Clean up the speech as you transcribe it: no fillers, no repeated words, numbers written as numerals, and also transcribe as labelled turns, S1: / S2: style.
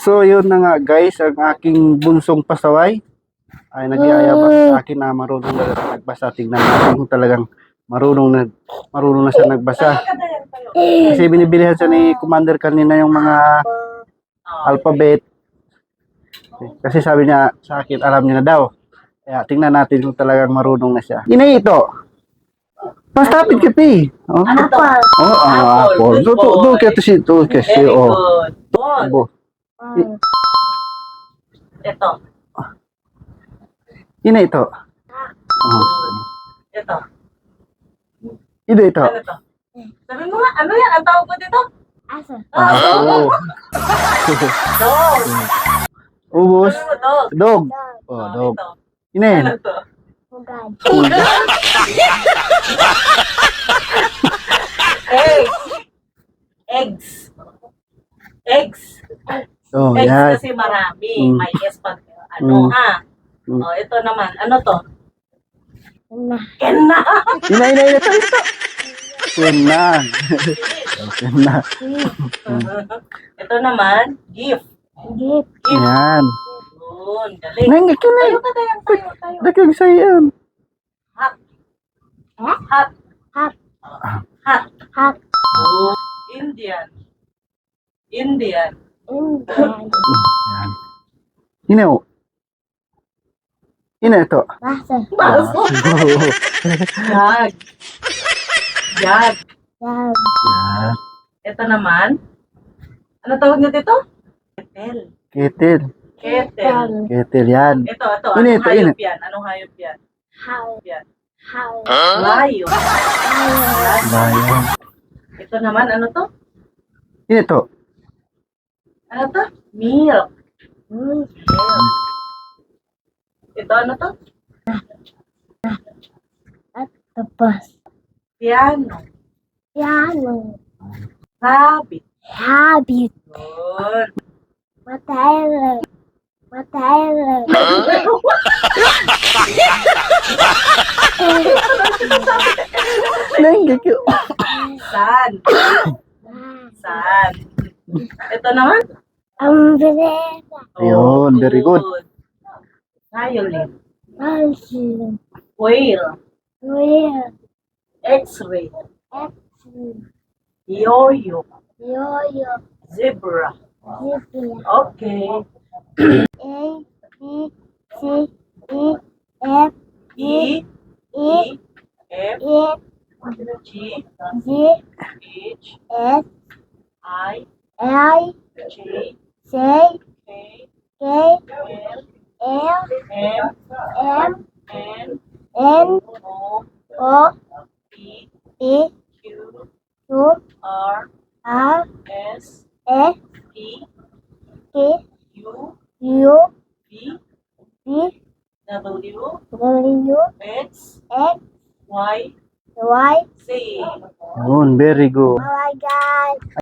S1: So yun na nga guys, ang aking bunsong pasaway ay nagyayabang sa akin na marunong na nagbasa. Tingnan natin kung talagang marunong na siya nagbasa. Kasi binibilihan siya ni Commander kanina yung mga alphabet. Kasi sabi niya sa akin, alam niya na daw. Kaya tingnan natin kung talagang marunong na siya. Inay ito. Pastapit kita eh. Oh, apple. Do kasi oh. Abo.
S2: Ito.
S1: Inay ito. Oh.
S2: Ito.
S1: Ito.
S2: Ano to? Sabi mo nga, ano yan? Ang tawag ko dito?
S3: Aso.
S1: Oh.
S2: Dog.
S1: Ubus.
S2: Sabi mo dog.
S1: Dog. Oh, dog.
S2: Ito.
S1: Inay.
S2: Ano to?
S3: Hugad.
S2: Eggs. Eggs.
S1: Oh,
S2: Eggs
S1: yan.
S2: kasi marami.
S1: Mm.
S2: May S pag ano
S1: Mm.
S2: ha.
S1: Mm.
S2: Oh, ito naman. Ano to?
S3: Na.
S2: Kenna.
S1: Inay ito. Kena. Kena.
S2: Ito naman, gift.
S3: Gip.
S1: Yan.
S2: Yun, galing.
S1: Nangga ka na.
S2: Tayo ka, tayo.
S1: Dagang sayan.
S2: Hot.
S3: Eh?
S2: Hot.
S3: Hot.
S2: Hot.
S3: Hot.
S2: Oh, Indian. Indian.
S3: Indian.
S1: Yan. Inaw. Ina ito.
S3: Baso.
S2: Baso. Jag. Jag.
S3: Dab.
S1: Yan.
S2: Ito naman. Ano tawag niyo dito? Ketel.
S1: Ketil.
S2: Ketel.
S1: Ketil yan.
S2: Ito.
S1: Ina,
S2: Anong
S1: ito,
S2: hayop yan? Anong hayop yan?
S3: How.
S2: Yan.
S3: How.
S2: Layo.
S1: Bayan.
S2: Ito naman, ano to?
S1: Ina ito.
S2: Ano to? Milk.
S3: Hmm.
S2: Ito, ano to?
S3: At tapos.
S2: Piano.
S3: Piano.
S2: Rabbit.
S3: Habit.
S2: Yun.
S3: Matele. Matele.
S1: Nangga ka.
S2: Sun. Sun. Ito naman?
S3: Umbrella.
S1: Ayun, very good.
S2: Violin.
S3: Pencil.
S2: Whale.
S3: Wheel.
S2: X-ray.
S3: X-ray.
S2: Yo-yo.
S3: Yo-yo.
S2: Zebra.
S3: Zebra.
S2: Okay.
S3: A, B, C, E, F,
S2: E,
S3: E,
S2: F,
S3: E,
S2: G,
S3: G,
S2: H,
S3: S,
S2: I,
S3: I,
S2: J,
S3: J,
S2: K,
S3: K,
S2: L,
S3: L,
S2: M,
S3: M,
S2: N,
S3: N,
S2: O,
S3: O,
S2: P,
S3: P,
S2: Q,
S3: Q,
S2: R,
S3: R,
S2: S,
S3: S,
S2: T,
S3: T,
S2: U,
S3: U,
S2: V,
S3: V,
S2: W,
S3: W,
S2: X,
S3: X,
S2: Y,
S3: Y.
S2: Z.
S1: Yun, very good.
S3: Oh my God.